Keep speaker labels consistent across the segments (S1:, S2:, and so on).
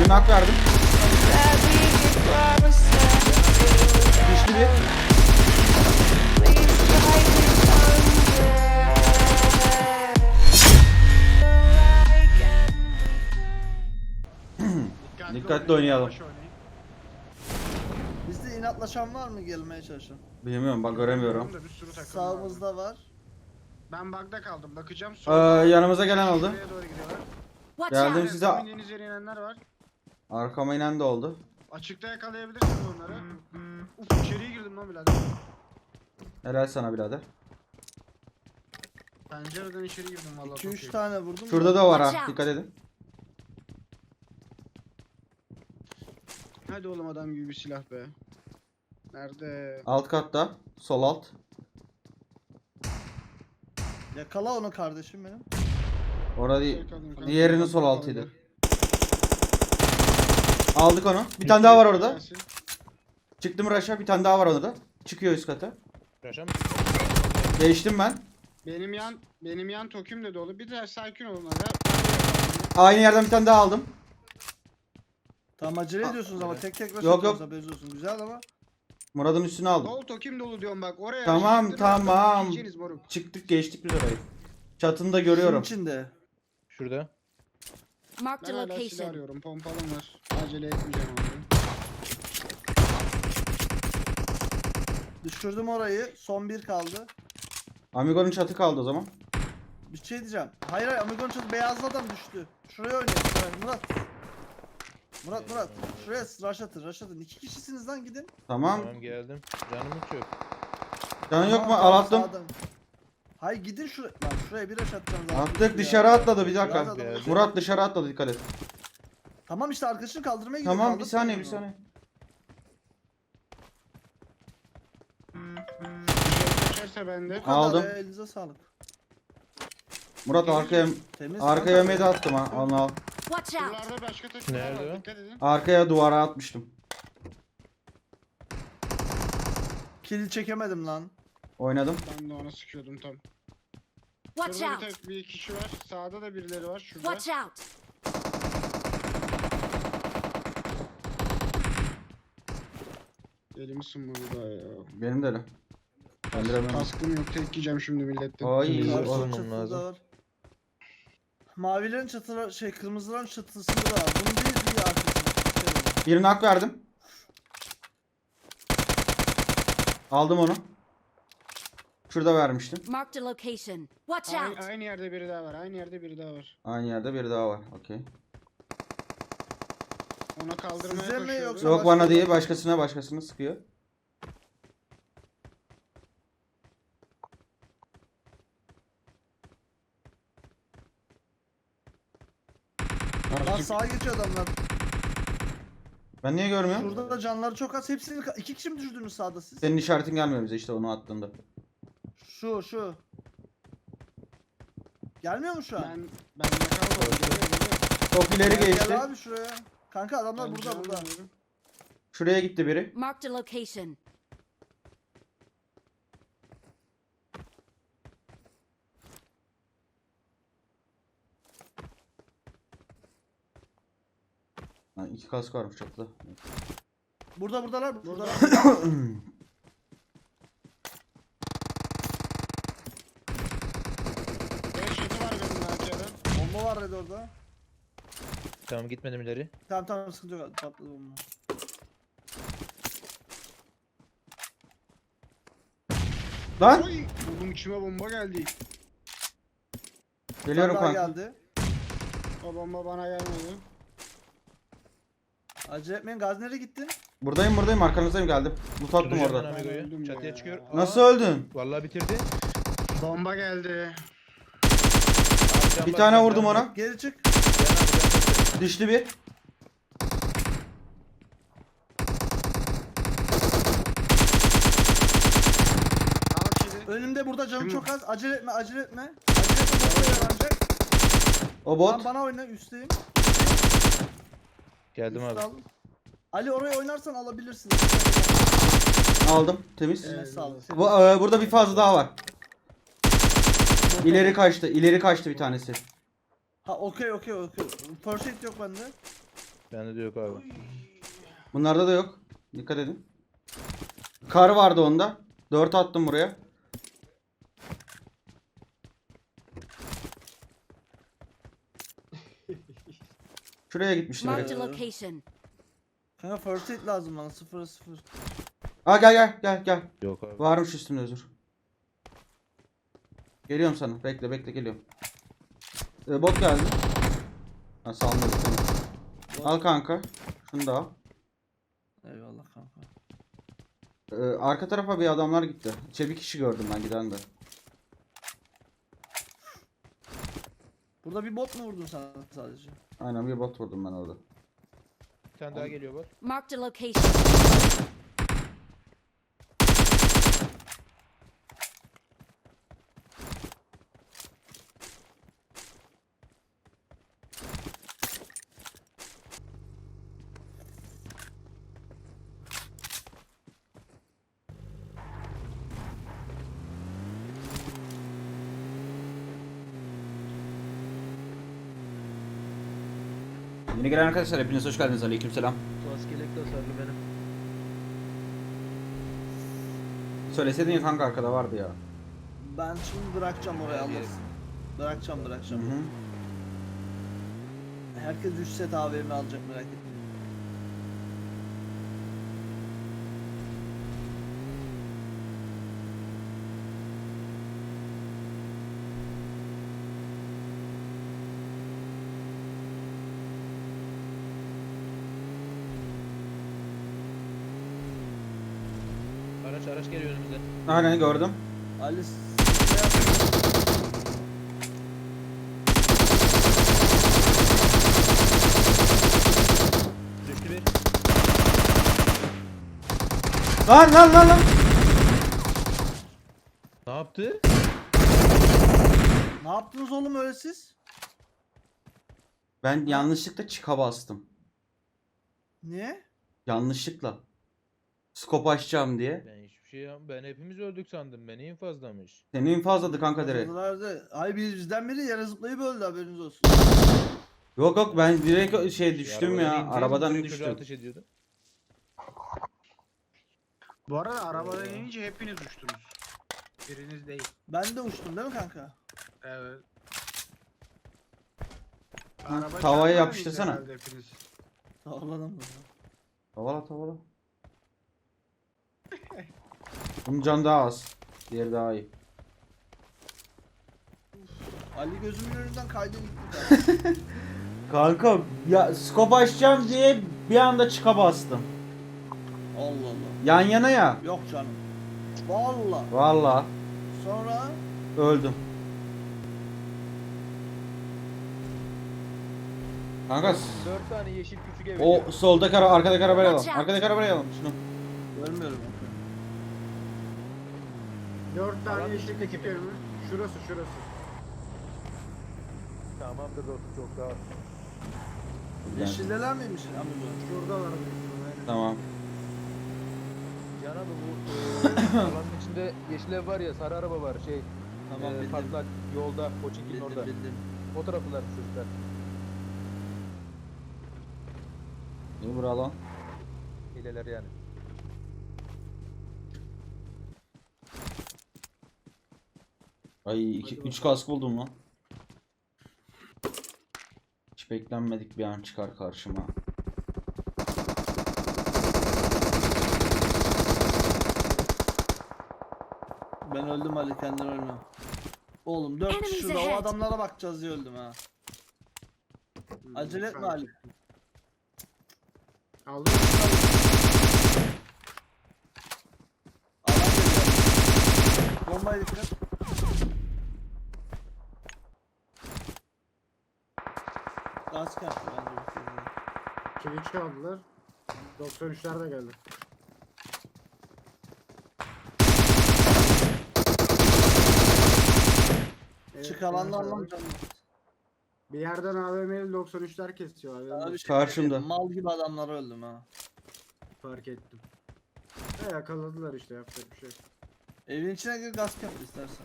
S1: Bir nak verdim. Düştü bir. Dikkatli oynayalım.
S2: Bizde inatlaşan var mı gelmeye çalışan?
S1: Bilmiyorum bak göremiyorum.
S3: Bir sürü takım
S2: Sağımızda var.
S3: Ben bug'da kaldım. Bakacağım.
S1: Yanımıza gelen oldu.
S3: Şuraya doğru gidiyorlar.
S4: Watch
S1: Geldim
S4: out!
S1: size.
S3: Deniz yere inenler var.
S1: Arkama inen de oldu.
S3: Açıkta yakalayabilirsiniz onları. Uf içeriye girdim lan birader.
S1: Helal sana birader.
S3: Pencereden içeri girdim vallahi.
S2: 2-3 tane vurdum.
S1: Şurada da var ha. Dikkat edin.
S3: Hadi oğlum adam gibi bir silah be. Nerede?
S1: Alt katta. Sol alt.
S2: Yakala onu kardeşim benim.
S1: Orada değil.
S3: Yakaladım kanka.
S1: Diğerinin sol altıydı. Aldık onu. Bir tane daha var orada.
S3: Gelsin.
S1: Çıktım Raş'a. Bir tane daha var orada. Çıkıyor üst kata.
S5: Raşam.
S1: Geçtim ben.
S3: Benim yan tokim de dolu. Bir de sakin olun hadi.
S1: Aynı yerden bir tane daha aldım.
S2: Tamam acele ediyorsunuz ama tek tek
S1: Yok, yok.
S2: haberiniz olsun. Güzel ama.
S1: Murat'ın üstüne aldım.
S3: Dol tokim dolu diyorum bak oraya.
S1: Tamam,
S3: çektim,
S1: tamam.
S3: yiyeceğiniz moruk.
S1: Çıktık geçtik biz orayı. Çatını da görüyorum.
S2: Şunun içinde.
S5: Şurada.
S4: Marked
S3: Ben
S4: a
S3: hala silah
S4: location.
S3: arıyorum. Pompalım var. Acele etmeyeceğim abi.
S2: Düşürdüm orayı. Son bir kaldı.
S1: Amigo'nun çatı kaldı o zaman.
S2: Bir şey diyeceğim. Hayır Amigo'nun çatı beyazlı adam düştü. Şuraya oynayın. Şuraya. Murat. Şuraya rush atın. 2 kişisiniz lan gidin.
S1: Tamam.
S5: Tamam geldim. Canım hiç yok.
S1: Canın yok mu?
S2: Tamam,
S1: Al attım.
S2: sağdan. Hayır gidin şuraya. Lan şuraya bir rush atacağım zaten.
S1: Attık dışarı atladı bir
S2: Biraz
S1: dakika.
S2: adam-
S1: Murat dışarı atladı dikkat et.
S2: Tamam işte arkadaşını kaldırmaya gidiyor.
S1: Tamam bir
S2: kaldırsın
S1: saniye
S2: onu.
S1: bir saniye.
S3: Kaçarsa bende.
S2: Bu kadar
S1: Aldım.
S2: ya, elinize sağlık.
S1: Murat arkaya
S2: Temiz.
S1: arkaya
S2: kanka.
S1: meda attım ha. Onu al.
S4: Watch out!
S3: Buralarda başka takımlar
S5: Nerede
S3: var.
S5: o?
S3: Dikkat edin.
S1: Arkaya duvara atmıştım.
S2: Kill çekemedim lan.
S1: Oynadım.
S3: Ben de ona sıkıyordum tam.
S4: Watch
S3: Şurada
S4: out!
S3: bir kişi var. Sağda da birileri var. Şurada.
S4: Watch out!
S3: Elimi sınmadı daha ya.
S1: Benim de öyle. Öldüremem.
S3: Kaskım yok. Tek yiyeceğim şimdi milletten.
S1: Ay
S5: İyi.
S2: Karşı
S5: Olmam
S2: çatıda
S5: lazım.
S2: var. Mavilerin çatıları kırmızıların çatısında da var. Bunun bir arkasında.
S1: birine hak verdim. Aldım onu. Şurada vermiştim.
S4: Marked a location. Watch
S3: Aynı,
S4: out!
S3: aynı yerde biri daha var. Aynı yerde biri daha var.
S1: Aynı yerde biri daha var. Okey.
S3: Ona kaldırmaya
S2: Size mi
S3: koşuyordu.
S2: yoksa-
S1: Yok bana
S2: başka-
S1: değil başkasına sıkıyor.
S2: Lan sağa geçiyor adamlar.
S1: Ben niye görmüyorum?
S2: Şurada da canları çok az. Hepsini 2 kişi mi düşürdünüz sağda siz?
S1: Senin işaretin gelmiyor bize işte onu attığında.
S2: Şu. Gelmiyor mu şu an?
S3: Ben yakaladım. Geliyor.
S1: Çok ileri geçti.
S2: Gel abi şuraya. Kanka adamlar burada.
S1: Şuraya gitti biri.
S4: Marked a location.
S1: Ha, 2 kask varmış çatıda.
S2: Buradalar.
S3: Beş yedi var benim AK'de.
S2: Bomba var Red orada.
S5: Tamam gitmedim ileri.
S2: Tamam sıkıntı yok. Patladı bomba.
S1: Lan!
S3: Oy! Oğlum içime bomba geldi.
S1: Geliyorum
S2: Bir tane daha
S1: kanka.
S2: geldi.
S3: O bomba bana gelmedi.
S2: Acele etmeyin. Gazi nereye gittin?
S1: Buradayım arkanızdayım geldim. Loot attım
S5: Tutacağım ben
S1: orada.
S5: Amigo'yu.
S3: öldüm
S5: Çatıya
S3: ya.
S5: çıkıyor.
S1: Nasıl öldün?
S5: Vallahi bitirdi.
S3: Bomba geldi.
S5: Abi can
S1: Bir
S5: bak,
S1: tane
S5: can
S1: vurdum
S5: bak.
S1: ona.
S2: Geri çık.
S5: Can abi, can bak.
S1: Düştü bir.
S3: Al kili.
S2: Önümde burada canım
S3: Kim
S2: çok az. Acele etme. Acele etme. Bomba yaranacak.
S1: O bot.
S2: Lan bana oyna üstteyim.
S5: Geldim
S2: Üst
S5: abi.
S2: al. Ali oraya oynarsan alabilirsin.
S1: Aldım. Temiz.
S2: Eline sağlık.
S1: Burada bir fazla daha var. İleri kaçtı bir tanesi.
S2: Ha okey. First aid yok bende.
S5: Bende de yok abi.
S1: Bunlarda da yok. Dikkat edin. Kar vardı onda. 4 attım buraya. Şuraya gitmiştim
S4: Marked
S1: direkt.
S4: a location.
S2: Kanka first aid lazım bana 0-0.
S1: Aa gel.
S5: Yok abi.
S1: Varmış üstünde özür. Geliyorum sana. Bekle geliyorum. Bot geldi. Ha salmadı seni. Al kanka. Şunu da al.
S2: Eyvallah kanka.
S1: Arka tarafa bir adamlar gitti. Bir kişi gördüm ben giden de.
S2: Burada bir bot mu vurdun sen sadece?
S1: Aynen bir bot vurdum ben orada.
S5: Bir tane daha geliyor bak.
S4: Marked a location.
S1: Yeni gelen arkadaşlar hepiniz hoş geldiniz. Aleykümselam.
S5: Maskelek tasarlı benim.
S1: Söyleseydin ya kanka arkada vardı ya.
S2: Ben şimdi bırakacağım oraya alırsın. Bırakacağım.
S1: Hı hı.
S2: Herkes 3 set AVM alacak merak etmeyin.
S5: Araç geliyor önümüze.
S1: Aynen gördüm.
S2: Ali s***ye yap.
S5: Düştü bir.
S1: Lan.
S5: Ne yaptı?
S2: Ne yaptınız oğlum öyle siz?
S1: Ben yanlışlıkla çıka bastım.
S2: Niye?
S1: Yanlışlıkla. Skop açacağım diye.
S5: Ben hiçbir şey ben hepimiz öldük sandım. Beni infazlamış.
S1: Seni infazladı kanka direkt.
S2: Ay bizden biri yere zıplayıp öldü haberiniz olsun.
S1: Yok ben direkt düştüm ya.
S5: Arabadan indi,
S1: Arabadan
S5: direkt çocuğa
S1: düştüm.
S5: ateş ediyordu.
S3: Bu arada arabadan inince hepiniz uçtunuz. Biriniz değil.
S2: Ben de uçtum değil mi kanka?
S3: Evet.
S1: tavaya
S3: çarpmadınız
S1: yapıştırsana.
S3: herhalde hepiniz.
S2: Sağladım mı?
S1: Tavala. Bunun can daha az. Diğeri daha iyi.
S2: Ali gözümün önünden kaydı gitti.
S1: Kanka ya skop açacağım diye bir anda çıka bastım.
S2: Allah Allah.
S1: Yan yana ya.
S2: Yok canım. Valla.
S1: Valla
S2: Sonra
S1: öldüm. Kanka
S5: 4 tane yeşil küçük ev.
S1: o soldaki arkadaki arabayı alalım.
S4: Watch out.
S1: Arkadaki arabayı alalım şunu.
S2: görmüyorum.
S3: 4 tane
S5: Alan
S3: yeşil
S5: içindeki
S3: küçük
S5: mi?
S3: ev mi? Şurası.
S5: Tamamdır dostum çok sağ ol.
S2: Yeşilleler miymiş amca?
S3: Şuradalar büyük ihtimalle.
S1: Tamam.
S5: Can abi bu alanın içinde yeşil ev var ya, sarı araba var
S2: Tamam bildim.
S5: patlak yolda Koçink'in orada.
S2: Bildim.
S5: O taraflar çocuklar.
S1: İyi bura lan.
S5: Hileler yani.
S1: Ay 3 kask buldum lan. Hiç beklenmedik bir an çıkar karşıma.
S2: Ben öldüm Ali kendin ölme. Oğlum 4 kişi
S4: Enemies
S2: şurada o
S4: ahead.
S2: adamlara bakacağız diye öldüm ha. Acele etme Ali.
S3: Aldım.
S2: Alan geliyor. Bombaya dikkat. Gaz kaptı bence bu sefer.
S3: Kili çaldılar. 93'ler de geldi. Evet,
S2: Çık alandan lan
S3: evet.
S2: canım.
S3: Bir yerden AVM'li 93'ler kesiyor abi.
S2: Sana bir şey
S1: Karşımda.
S2: söyleyeyim, mal gibi adamlara öldüm ha.
S3: Fark ettim. Yakaladılar işte, yapacak bir şey yok.
S2: Evin içine gir gaz kap istersen.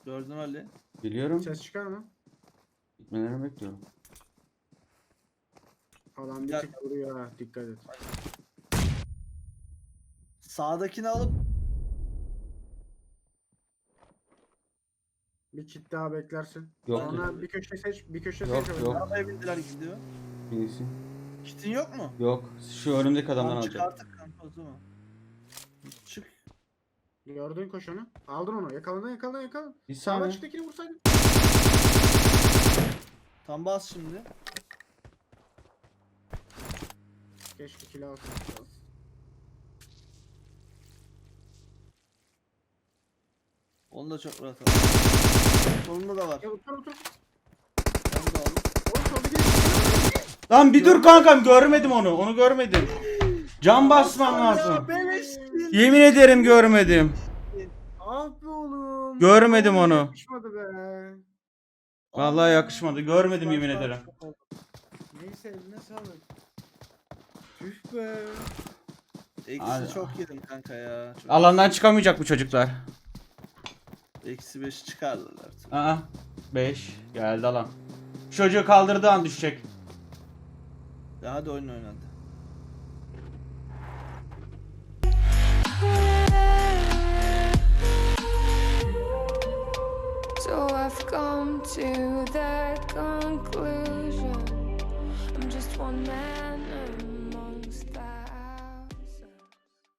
S2: Gördüm Ali.
S1: Biliyorum.
S3: Ses çıkar mı?
S1: Gitmelerini bekliyorum.
S3: Adam bir
S2: Ya-
S3: tık vuruyor ha. Dikkat et.
S2: Sağdakini alıp
S3: Bir kit daha beklersin.
S1: Yok.
S3: Sonra bir köşe seç. Bir köşe
S1: Yok,
S3: seç.
S1: yok.
S2: arabaya bindiler gidiyor.
S1: İyisin.
S2: Kitin yok mu?
S1: Yok. Şu önümdeki adamdan
S2: Tamam,
S1: alacağım.
S2: çıkarttık kanka o zaman. Çık.
S3: Gördün koşanı. Aldın onu. Yakaladın yakaladın yakaladın.
S1: Bir
S3: Sağdan
S1: saniye.
S3: çıktakini vursaydın.
S2: Tam bas şimdi.
S3: Keşke kill alsın.
S2: Onu da çok rahat aldım. Solunda da var.
S3: Ya otur otur.
S2: Onu da aldım.
S3: Oğlum solda gidiyor.
S1: Lan bir dur kankam, görmedim onu. Onu görmedim. Cam basman lazım.
S2: Beleştin.
S1: Yemin ederim görmedim.
S3: Ah be oğlum.
S1: Görmedim
S3: Vallahi
S1: onu.
S3: Yakışmadı be.
S1: Vallahi yakışmadı. Görmedim yemin ederim.
S3: Neyse eline sağlık. Tüh be.
S1: Hadi.
S2: Eksi çok yedim kanka ya. Çok.
S1: Alandan çıkamayacak bu çocuklar.
S2: Eksi 5 çıkardılar artık.
S1: Aa. 5. Geldi alan. Şu çocuğu kaldırdığı an düşecek.
S2: Ya hadi oyun oynadı.
S6: So I've come to that conclusion. I'm just one man.